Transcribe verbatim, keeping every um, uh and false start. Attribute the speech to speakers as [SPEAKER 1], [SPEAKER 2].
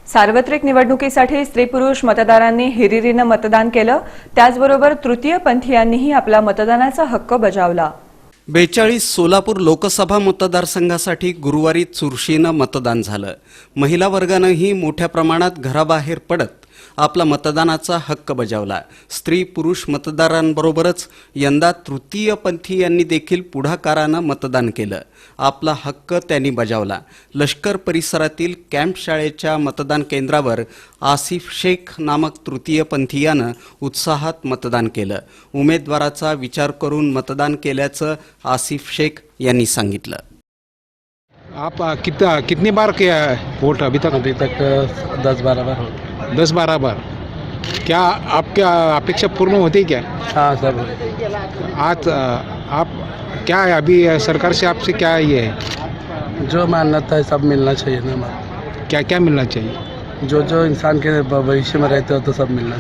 [SPEAKER 1] सार्वत्रिक निवडणुकीसाठी स्त्री पुरुष मतदारांनी हिरिरीनं मतदान केलं. त्याचबरोबर तृतीयपंथीयांनीही आपला मतदानाचा हक्क बजावला.
[SPEAKER 2] बेचाळीस सोलापूर लोकसभा मतदारसंघासाठी गुरुवारी चुरशीनं मतदान झालं. महिला वर्गानंही मोठ्या प्रमाणात घराबाहेर पडत आपला मतदानाचा हक्क बजावला. स्त्री पुरुष मतदारांबरोबरच यंदा तृतीयपंथीयांनी देखील पुढाकारानं मतदान केलं. आपला हक्क त्यांनी बजावला. लष्कर परिसरातील कॅम्प शाळेच्या मतदान केंद्रावर आसिफ शेख नामक तृतीयपंथीयानं उत्साहात मतदान केलं. उमेदवाराचा विचार करून मतदान केल्याचं आसिफ शेख यांनी सांगितलं.
[SPEAKER 3] आप कितना कितनी बार किया है वोट अभी तक?
[SPEAKER 4] अभी तक दस बारह बार हो
[SPEAKER 3] दस बारह बार. क्या आपकी अपेक्षा पूर्ण होती क्या?
[SPEAKER 4] हाँ सब
[SPEAKER 3] आज आप क्या है अभी सरकार से आपसे क्या ये है?
[SPEAKER 4] जो मान्यता है सब मिलना चाहिए ना हमारा.
[SPEAKER 3] क्या क्या मिलना चाहिए?
[SPEAKER 4] जो जो इंसान के भविष्य में रहते हो तो सब मिलना चाहिए.